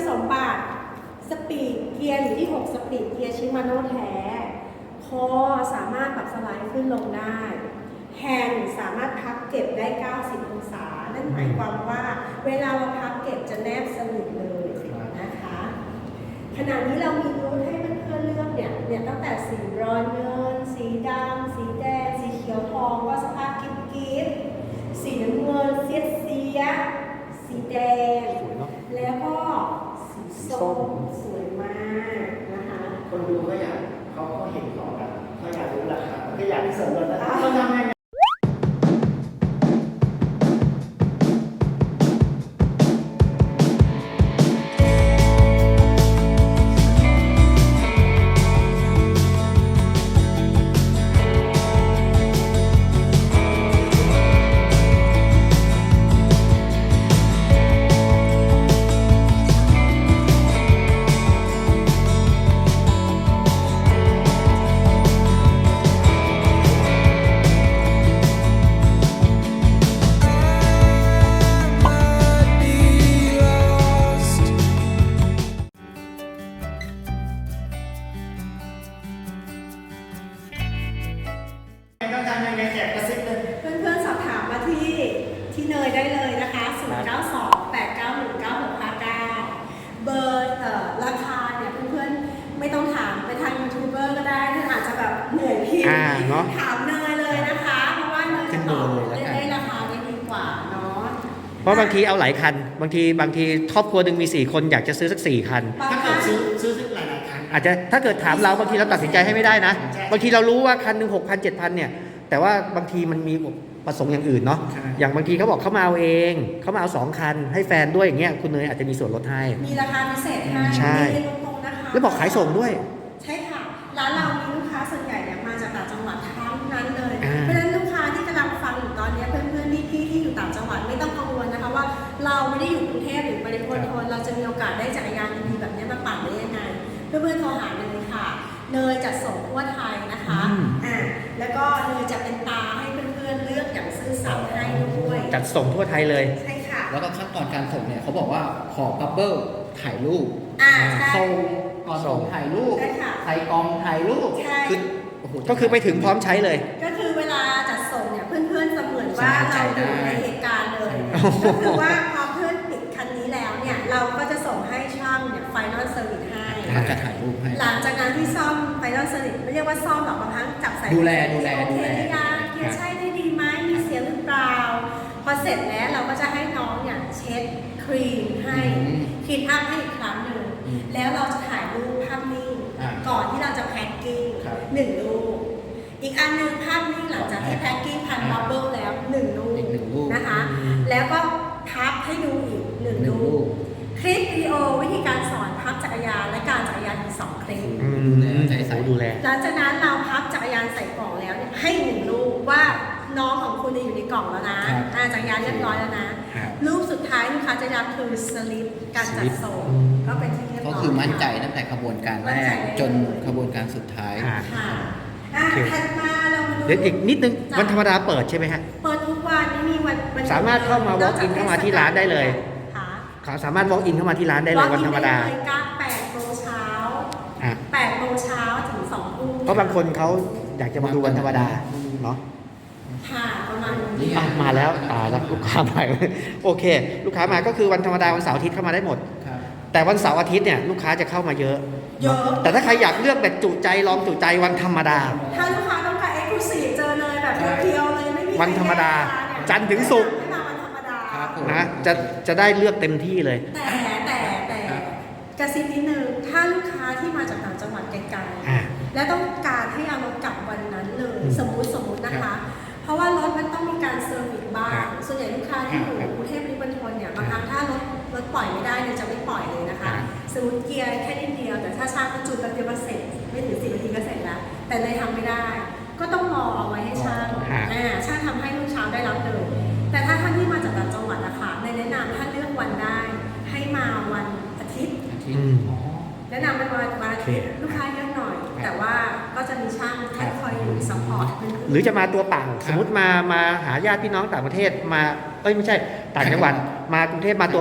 สมบัติสปีดเกียร์อยู่ที่6สปีดเกียร์ชิมาโน่แท้คอสามารถปรับสไลด์ขึ้นลงได้แฮนด์สามารถพับเก็บได้90องศานั่นหมายความว่าเวลาเราพับเก็บจะแนบสนิทเลยนะคะขณะนี้เรามีรูทให้เพื่อนๆเลือกเนี่ยตั้งแต่สีบรอนซ์เงินสีดำสีแดงสีเขียวทองก็สภาพกิ๊บสีน้ำเงินเสียสีแดงแล้วก็สีส้มสวยมากนะคะคนดูก็อยากเขาเห็นของกันเขาอยากรู้ราคาก็อยากที่เสริมรถนะเขาทำไงต้องทำยังไงแจกกระซิบเลยเพื่อนๆสอบถามมาที่เนยได้เลยนะคะ0928919659เบอร์ราคาเนี่ยเพื่อนๆไม่ต้องถามไปทางยูทูบเบอร์ก็ได้ท่านอาจจะแบบเหนื่อยพิมพ์ถามเนยเลยนะคะเพราะว่าเนยจะตอบได้ราคาได้ดีกว่าเนาะเพราะบางทีเอาหลายคันบางทีครอบครัวหนึ่งมี4คนอยากจะซื้อสัก4คันถ้าเกิดซื้อหลายคันอาจจะถ้าเกิดถามเราบางทีเราตัดสินใจให้ไม่ได้นะบางทีเรารู้ว่าคันหนึ่ง6,000 7,000เนี่ยแต่ว่าบางทีมันมีประสงค์อย่างอื่นเนาะอย่างบางทีเขาบอกเขามาเอาเองเขามาเอา2คันให้แฟนด้วยอย่างเงี้ยคุณเนยอาจจะมีส่วนลดให้มีราคาพิเศษให้ใช่แล้วบอกขายส่งด้วยใช่ค่ะร้านเรามีลูกค้าส่วนใหญ่เนี่ยมาจากต่างจังหวัดทั้งนั้นเลยเพราะฉะนั้นลูกค้าที่กำลังฟังอยู่ตอนนี้เพื่อนๆพี่ที่อยู่ต่างจังหวัดไม่ต้องกังวลนะคะว่าเราไม่ได้อยู่กรุงเทพหรือปริมณฑลเราจะมีโอกาสได้จักรยานดีๆแบบนี้มาปั่นได้ยังไงเพื่อนๆโทรหาเนยค่ะเนยจัดส่งทั่วไทยนะคะแล้วก็เนยจะเป็นตาให้เพื่อนๆเลือกอย่างซื่อสัตย์ให้ด้วยจัดส่งทั่วไทยเลยใช่ค่ะแล้วก็ขั้นตอนการส่งเนี่ยเขาบอกว่าขอบับเบิ้ลถ่ายรูปส่งก่อนส่งถ่ายรูปใส่กล่องถ่ายรูปก็คือไปถึงพร้อมใช้เลยก็คือเวลาจัดส่งเนี่ยเพื่อนๆเสมือนว่าเราอยู่ในเหตุการณ์เลยก็คือว่าพอเพื่อนปิดคันนี้แล้วเนี่ยเราก็จะส่งให้ช่างเนี่ยไฟนอลเซอร์วิสให้จะถ่ายรูปให้หลังจากนั้นที่ซ่อมไฟนอลเซอร์วิสไม่เรียกว่าซ่อมหรอกบางครั้งจับใส่ดูแลโอเคหรือยังเกียร์ใช่ได้ดีไหมมีเสียหรือเปล่าพอเสร็จแล้วเราก็จะให้น้องเนี่ยเช็ดครีมให้คลีนอัพให้อีกครั้งหนึ่งแล้วเราจะถ่ายรูปภาพนิ่งก่อนที่เราจะแพ็คกิ้ง1 รูปอีกอันหนึ่งภาพนิ่งหลังจากที่แพ็คกิ้งพันบับเบิ้ลแล้ว1 รูปนะคะแล้วก็พับให้ดูอีก1 รูปคลิปวิดีโอวิธีการสอนพับจักรยานและการจักรยานอีก2 คลิปดูแลหลังจากนั้นเราพับจักรยานใส่กล่องแล้วเนี่ยให้1 รูปว่าน้องของคุณอยู่ในกล่องแล้วนะจักรยานเรียบร้อยแล้วนะรูปสุดท้ายลูกค้าจะรับคือสลิปการจัดส่งก็เป็นที่เรียบร้อยก็คือมั่นใจตั้งแต่ขบวนการแรกจนขบวนการสุดท้ายถัดมาเราเดี๋ยวอีกนิดนึงวันธรรมดาเปิดใช่ไหมฮะเปิดทุกวันไม่มีวันสามารถเข้ามา walk in เข้ามาที่ร้านได้เลยเขาสามารถ walk in เข้ามาที่ร้านได้เลยวันธรรมดา 8 โมงเช้า8 โมงเช้าถึง2 ทุ่มเพราะบางคนเขาอยากจะมาดูวันธรรมดาเนาะค่ะประมาณนี้มาแล้วลูกค้ามาโอเคลูกค้ามาก็คือวันธรรมดาวันเสาร์อาทิตย์เข้ามาได้หมดแต่วันเสาร์อาทิตย์เนี่ยลูกค้าจะเข้ามาเยอะแต่ถ้าใครอยากเลือกแบบจุใจลองจุใจวันธรรมดาถ้าลูกค้าต้องการเอ็กซ์คลูซีฟเจอเลยแบบเพียวเลยไม่มีวันธรรมดาจันทร์ถึงศุกร์นะจะได้เลือกเต็มที่เลยแต่กระซิบนิดนึงถ้าลูกค้าที่มาจากต่างจังหวัดไกลๆและต้องการให้เอารถกลับวันนั้นเลยสมมุตินะคะเพราะว่ารถมันต้องมีการเซอร์วิสบ้างส่วนใหญ่ลูกค้าที่อยู่กรุงเทพปริมณฑลเนี่ยบางครั้งถ้ารถปล่อยไม่ได้เนี่ยจะไม่ปล่อยเลยนะคะสมมติเกียร์แค่นิดเดียวแต่ถ้าช่างก็จูนแป๊บเดียวก็เสร็จไม่ถึง10 นาทีก็เสร็จแล้วแต่เลยทำไม่ได้ก็ต้องรอเอาไว้ให้ช่างช่างทำให้ลูกค้าได้รับเลยแต่ถ้าท่านที่มาจากต่างจังหวัดนะคะในแนะนำถ้าเลือกวันได้ให้มาวันอาทิตย์แนะนำเป็นวันอาทิตย์ลูกค้าเยอะหน่อยแต่ว่าก็จะมีช่างคอยอยู่ซัพพอร์ตหรือจะมาตัวเปล่าสมมติมาหาญาติพี่น้องต่างประเทศมาไม่ใช่ต่างจังหวัดมากรุงเทพมาตัวเปล่า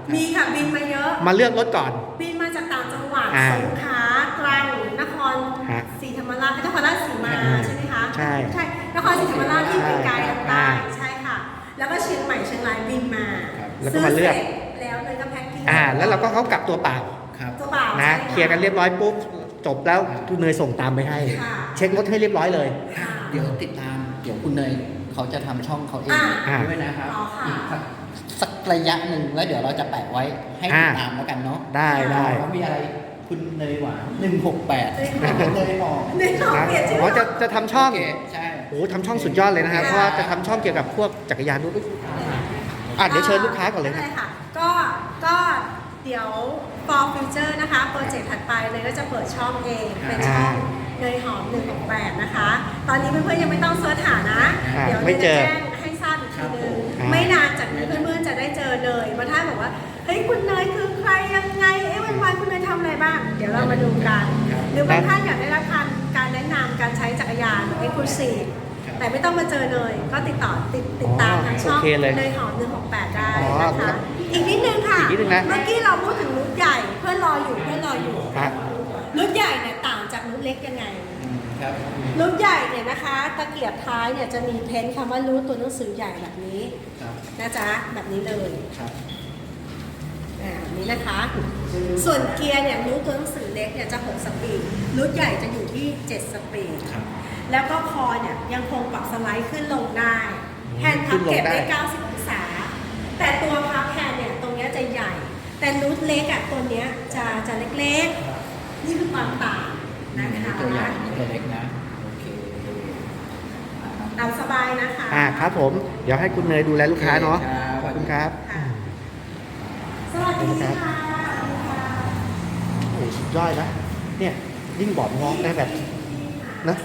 มีค่ะบินมาเยอะมาเลือกรถก่อนบินมาจากต่างจังหวัดอ่าสงขลาตรังนครฮะศรีธรรมราชนครราชสีมาอ่าใช่ไหมคะใช่นครศรีธรรมราชที่ไกลๆทางใต้อ่าใช่ค่ะ แล้วก็เชียงใหม่เชียงรายบินมาแล้วก็มาเลือกซื้สร็จแล้วเลยก็แพ็คกิ้งแล้วเราก็เขากลับตัวเปล่าครับตัวเปล่านะใช่เคลียร์กันเรียบร้อยปุ๊บจบแล้วคุณเนยส่งตามไปให้ค่ะเช็ครถให้เรียบร้อยเลยค่ะเดี๋ยวติดตาม เดี๋ยวคุณเนยเขาจะทำช่องเขาเองอ่าด้วยนะครับอ๋อค่ะอีกสักระยะหนึ่งแล้วเดี๋ยวเราจะแปะไว้ให้ติดตามแล้วกันเนาะได้ได้แล้วมีอะไรคุณเนยหวาน168เลยบอกในช่องนะเปลี่ยนชื่ออ๋อจะทำช่องโอเคใช่โอ้ทำช่องสุดยอดเลยนะครับค่ะเพราะว่าจะทำช่องเกี่ยวกับพวกจักรยานด้วยเดี๋ยวเชิญลูกค้าก่อนเลยครับได้ค่ะ ก็เดี๋ยว for future นะคะโปรเจกต์ถัดไปเลยก็จะเปิดช่องเอง เป็นช่องเนยหอม168นะคะ ตอนนี้เพื่อนๆยังไม่ต้องเสิร์ชหานะ เดี๋ยวไม่เนยเจจะอแจ้งให้ทราบอีกทีนึงอ่าไม่นานจากนี้เพื่อนๆจะได้เจอเนยมาถ้าบอกว่า เฮ้ยคุณเนยคือใครยังไง วันๆคุณเนยทำอะไรบ้าง เดี๋ยวเรามาดูกัน หรือบางท่านอยากได้รับการแนะนำการใช้จักรยานแบบ exclusive แต่ไม่ต้องมาเจอเนยก็ติดตามทางช่องโอเคเลยเนยหอม168ได้อ๋อนะครัคะบอีกนิดนึงค่ะอีกนิดนึงนะเมื่อกี้เราพูดถึงรุ่นใหญ่เพื่อนรออยู่ครับรุ่นใหญ่เนี่ยต่างจากรุ่นเล็กยังไงครับรุ่นใหญ่เนี่ยนะคะ ตะเกียบท้ายเนี่ยจะมีเพ้นท์คำว่ารูทตัวหนังสือใหญ่แบบนี้ครับนะจ๊ะแบบนี้เลยครับแบบนี้นะคะ ส่วนเกียร์เนี่ยรูทตัวหนังสือเล็กเนี่ยจะ6สปีดรุ่นใหญ่จะอยู่ที่7สปีดครับแล้วก็คอเนี่ยยังคงปรับสไลด์ขึ้นลงได้แฮนด์พับเก็บได้ 90 องศา แต่ตัวพับแฮนด์เนี่ยตรงเนี้ยจะใหญ่ แต่นูตเล็กอ่ะตัวเนี้ยจะเล็กๆ นี่คือความต่างนะคะตัวใหญ่นี่ตัวเล็กนะ โอเคตามสบายนะคะครับผม เดี๋ยวให้คุณเนยดูแลลูกค้าเนาะ ขอบคุณครับค่ะสวัสดีค่ะโอ้สุดยอดนะ เนี่ยยิ่งบอร์ดงอกได้แบบนะ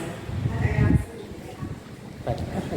แบบโอ้โห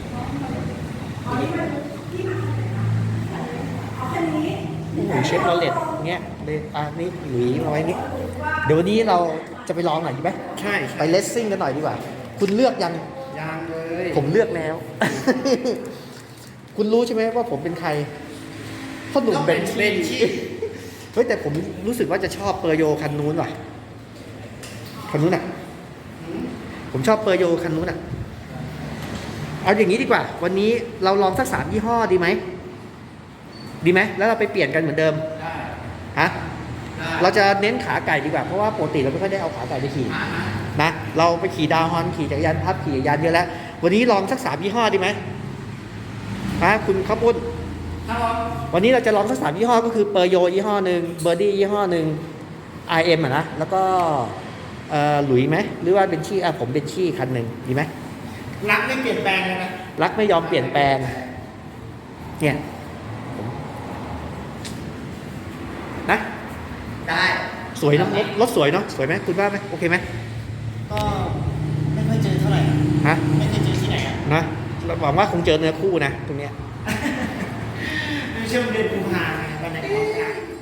เอาแค่นี้โอ้โหเชฟโรเลตเงี้ยเลยนี่หลุยมาไว้นี่เดี๋ยววันนี้เราจะไปลองหน่อยดีไหมใช่ไปเลสซิ่งกันหน่อยดีกว่า คุณเลือกยังยางเลยผมเลือกแล้ว คุณรู้ใช่ไหมว่าผมเป็นใครพ่อหนุ่มเบนเบนชี่เฮ้ยแต่ผมรู้สึกว่าจะชอบเปอร์โยคันนู้นว่ะคันนู้นอ่ะ ผมชอบเปอร์โยคันนู้นอ่ะ เอาอย่างนี้ดีกว่า วันนี้เราลองสัก3ยี่ห้อดีไหม ดีไหม แล้วเราไปเปลี่ยนกันเหมือนเดิมได้ฮะได้เราจะเน้นขาไก่ดีกว่า เพราะว่าปกติเราไม่ค่อยได้เอาขาไก่ไปขี่ นะ เราไปขี่ดาวฮอนขี่จักรยานพับขี่จักรยานเยอะแล้ว วันนี้ลองสัก3ยี่ห้อดีไหมฮะคุณข้าวปุ้นครับวันนี้เราจะลองสัก3ยี่ห้อก็คือเปอร์โยยี่ห้อหนึ่งเบอร์ดี้ยี่ห้อหนึ่ง RM อ่ะนะ แล้วก็หลุยไหม หรือว่าเบนชี่ผมเบนชี่คันหนึ่งดีไหมรักไม่เปลี่ยนแปลงเลยนะรักไม่ยอมเปลี่ยนแปลง เนี่ยนะได้สวยเนอะรถสวยเนาะสวยไหมคุณว่าไหมโอเคไหมก็ไม่ค่อยเจอเท่าไหร่ฮะไม่เคยเจอที่ไหนอ่ะนะเราหวังว่าคงเจอเนื้อคู่นะตรงเนี้ยในช่วงเดือนกุมภาพันธ์วันไหนออกงาน